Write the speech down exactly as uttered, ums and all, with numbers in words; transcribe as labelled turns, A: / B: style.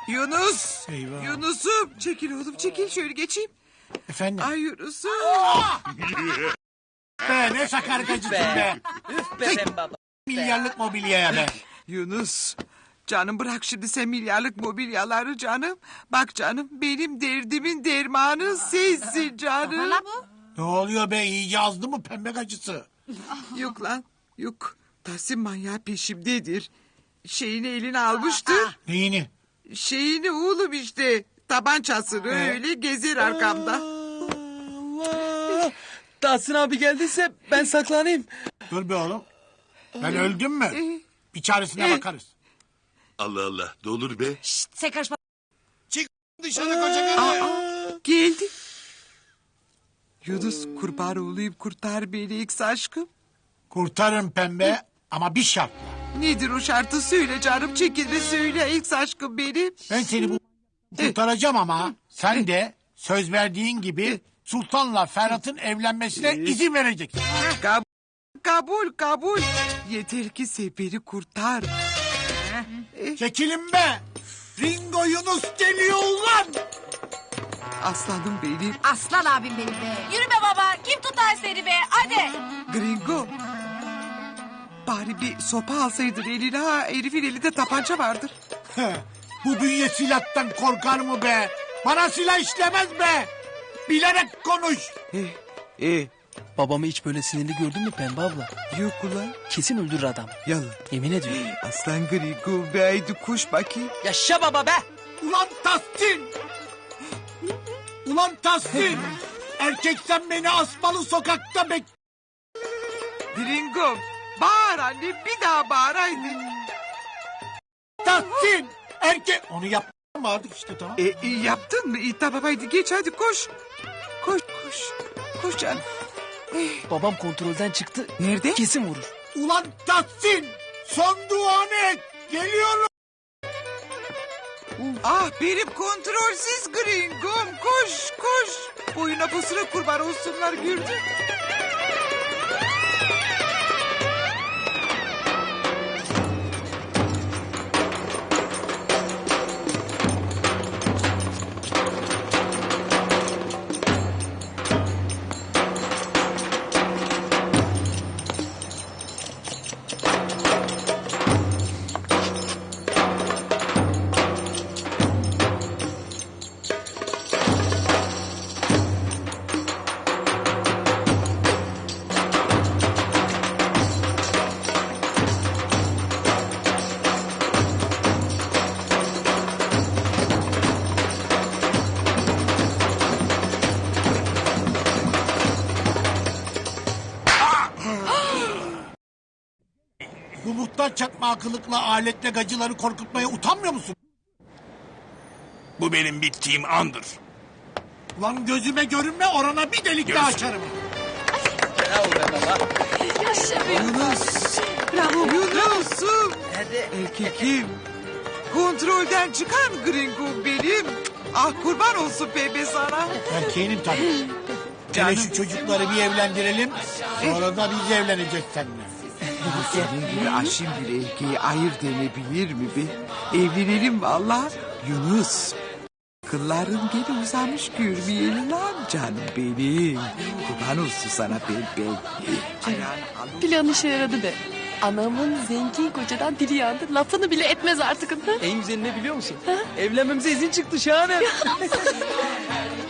A: Yunus.
B: Eyvah.
A: Yunus'um. Çekil oğlum çekil şöyle geçeyim.
B: Efendim?
A: Ay Yunus'um.
B: Be ne sakar gacısın be.
C: Üf be ben baba.
B: Milyarlık mobilyaya be.
A: Yunus. Canım bırak şimdi sen milyarlık mobilyaları canım. Bak canım benim derdimin dermanı sensin canım.
B: Ne oluyor be, iyice azdı mı pembe gacısı?
A: Yok lan yok. Tahsin manyağı peşimdedir. Şeyini eline almıştır.
B: Neyini?
A: Şeyini oğlum işte. Tabancasını öyle gezer arkamda.
C: Allah. Tahsin abi geldiyse ben saklanayım.
B: Dur be oğlum. Ben öldüm mü? Bir çaresine bakarız.
D: Allah Allah. Ne olur be.
E: Sen karışma.
B: Çık dışarı koca karı.
A: Geldi. Yunus kurban olayım kurtar beni X aşkım.
B: Kurtarın pembe ama bir şartla.
A: Nedir o şartı söyle canım çekilme söyle X aşkım benim.
B: Ben seni bu kurtaracağım ama sen de söz verdiğin gibi Sultan'la Ferhat'ın evlenmesine izin vereceksin.
A: Kabul kabul kabul. Yeter ki seferi kurtar.
B: Çekilin be. Ringo Yunus geliyor ulan.
A: Aslanım benim.
E: Aslan abim benim be. Yürü be baba. Kim tutar seni be? Hadi.
A: Gringo. Bari bir sopa alsaydın eline ha. Herifin elinde tabanca vardır.
B: Bu bünye silahtan korkar mı be? Bana silah işlemez be. Bilerek konuş.
A: Eh, eh,
C: Babamı hiç böyle sinirli gördün mü Pembe abla?
A: yok ulan.
C: Kesin öldürür adam.
A: Yalan.
C: Yemin ediyorum.
A: Aslan Gringo be haydi koş bakayım.
C: Yaşa baba be.
B: Ulan Tahsin. Ulan Tahsin. Erkek sen beni asmalı sokakta bek...
A: Gringo bağır anne bir daha bağır haydi.
B: Tahsin. Erkek... Onu yapmadık işte tamam.
A: E, e, yaptın mı? İyi tamam haydi geç hadi koş. Koş koş. Koş canım.
C: Babam kontrolden çıktı.
A: Nerede?
C: Kesin vurur.
B: Ulan Tahsin. Son duanı et. Geliyorum.
A: Ah benim kontrolsüz Gringo'm koş koş. Boyuna posuna kurban olsunlar gördün.
B: Bu muhtar çakma akıllıkla aletle gacıları korkutmaya utanmıyor musun?
D: Bu benim bittiğim andır.
B: Ulan gözüme görünme, orana bir delik daha açarım.
C: Bravo be baba.
A: Yunus. Bravo Yunus'um.
C: Hadi.
A: Erkekim. Kontrolden çıkan Gringo'm benim. Ah kurban olsun pembe sana.
B: Erkeğinim tabii. Hele şu çocukları bir evlendirelim. Sonra da biz evleneceğiz seninle.
A: Senin gibi aşım bir erkeği ayır denebilir mi be? Evlenelim valla. Yunus. Kılların geri uzamış görmeyelim lan canım benim. Kurban olsun sana pembe. Ayağını al.
F: Plan işe yaradı be. Anamın zengin kocadan dili yandı. Lafını bile etmez artık.
C: En güzeli ne biliyor musun? Evlenmemize izin çıktı şahane.